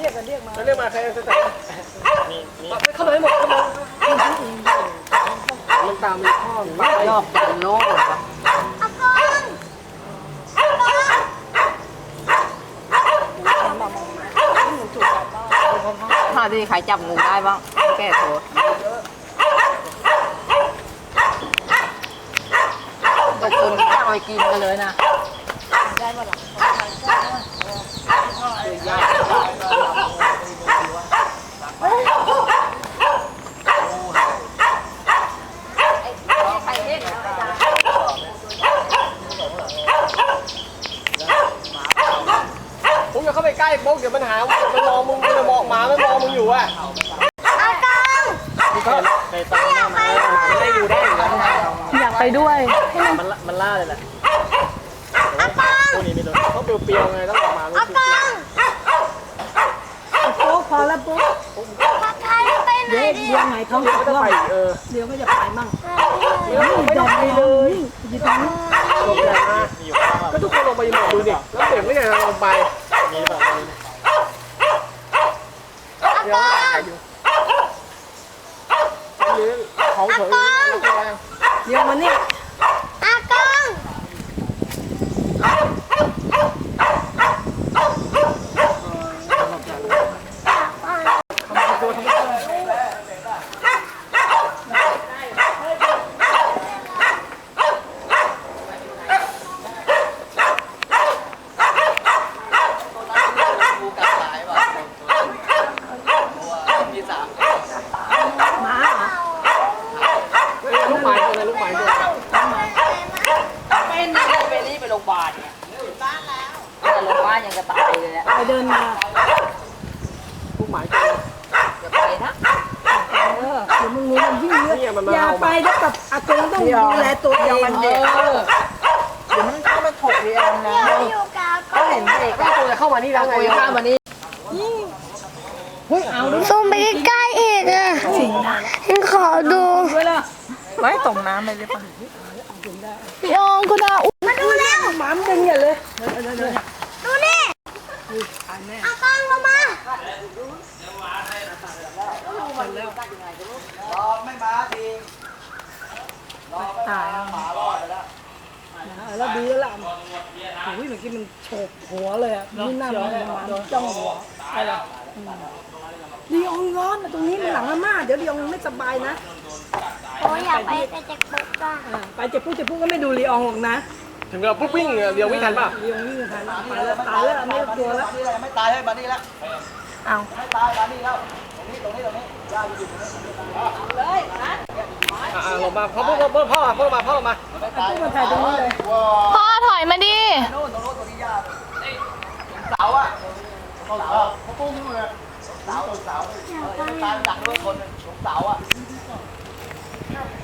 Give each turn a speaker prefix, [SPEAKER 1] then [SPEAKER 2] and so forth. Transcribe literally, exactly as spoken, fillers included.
[SPEAKER 1] รียกกันเรียกมา
[SPEAKER 2] เรียกมาใครจะแต่มีมีเข้ามาให้หมดเข้ามามันตามมีข้อรอบจันโน่
[SPEAKER 3] อากงอากง
[SPEAKER 4] ถ้าที่ใครจับงูได้บ้างแก้โทษตกคนที่จ้างไปกินกันเลยนะได้มาหรอ
[SPEAKER 2] ผมอย่าเข้าไปใกล้โป๊กเดี๋ยวมันหามันมองมึงมันมองหมาไม่มองมึงอยู่อ่ะ
[SPEAKER 3] อากง
[SPEAKER 2] ไปตามหน้ามาไม่ได้อยู่ได้อยู่แล้ว
[SPEAKER 1] อยากไปด้วย
[SPEAKER 2] มันมันล่าเลยแหละพวกนี้ไม่โดนเขาเปรี้ยวๆไงต้องออกมา
[SPEAKER 3] อากง
[SPEAKER 1] ปุ๊กพอแล้วปุ๊ก
[SPEAKER 3] ผัดไทยไปไหนดิ
[SPEAKER 1] เดี๋ยวไหนเขา
[SPEAKER 2] ก็จะไปเออ
[SPEAKER 1] เดี๋ยวก็จะไปมั่ง
[SPEAKER 2] ไม่ต้องไปเลย
[SPEAKER 1] ยิบไปนี่
[SPEAKER 2] ลงมาก็ทุกคนลงไปหมดดูดิแล้วเด็กไม่ใช่ลงไปมีแบบเดี๋ยวถ่ายอยู่หรือของเผย
[SPEAKER 1] เดี๋ยวมานี่
[SPEAKER 3] อากง
[SPEAKER 2] ลูกหมายตัวไหนลูกหมายตัว
[SPEAKER 4] เป็นเป็นนี่ไปโรงพยาบาลเนี่ยบ้านแล้วโรงพยาบาลยังกระตายเลยเนี่ย
[SPEAKER 1] ไปเดินมา
[SPEAKER 2] ลูกหมายตัว
[SPEAKER 4] อย่าไปนะ
[SPEAKER 1] เออเดี๋ยวมึงงูมันวิ่งเยอะอย่าไปแล้วกับอากงต้องดูแลตัวเอง
[SPEAKER 4] มันเด็กเดี๋ยวมันเข้ามาถกเรียนนะ
[SPEAKER 3] ก็
[SPEAKER 4] เห็นเด็ก
[SPEAKER 2] ก็ตัวจะเข้ามานี่แล้วไง
[SPEAKER 4] เข้ามานี่
[SPEAKER 1] เฮ้ยเอาดู
[SPEAKER 3] ซูมไปใกล้ๆอีกอ่ะฉันขอดู
[SPEAKER 4] ไว้ตรงน้ำเลยได้ปะ
[SPEAKER 3] พี่อองคุณอามาดูแล้ว
[SPEAKER 1] หมามันดึงอย่าเลย
[SPEAKER 3] ดูนี่อากงเข้ามา
[SPEAKER 1] ตายแล้วดีแล้วล่ะโอ้ยเมื่อกี้มันโฉบหัวเลยอ่ะนี่นั่นมันจ้องหัวอะไรลีอองร้อนตรงนี้มันหลังอาม่าเดี๋ยวลีอองไม่สบายนะ
[SPEAKER 3] โอ้ยอยากไปแต่เจ็บปุ๊บอ่ะ
[SPEAKER 1] ไปเจ็บปุ๊บเจ็บปุ๊บก็ไม่ดูลีอองหรอกนะ
[SPEAKER 2] ถึงเราปุ๊บวิ่งเดี๋ยววิ่งทันป่ะ
[SPEAKER 1] ลีอองวิ่งทันตายแล้วตายแล้วไม่กลัวแล้ว
[SPEAKER 5] ไม่ตายให้มานี่แล้ว
[SPEAKER 4] เอา
[SPEAKER 5] ไม่ตายมานี่แล้วตรงนี้ตรงนี้ตรงนี้ย่าอยู่ตรงนี้
[SPEAKER 4] เลยนะ
[SPEAKER 2] อ่าลงมาพ่อพ่อพ่อพ่อพ่อมาพ่อมา
[SPEAKER 1] ปุ๊บมาถ่ายตรงนี้เลย
[SPEAKER 3] พ่อถอยมาดิ
[SPEAKER 5] โน่นตรงโน้นตรงนี้ย่าเสาอ่ะเสาเขาปุ้งนู่นเลยเสาเสาตายดักด้วยคนตรงเสาอ่ะ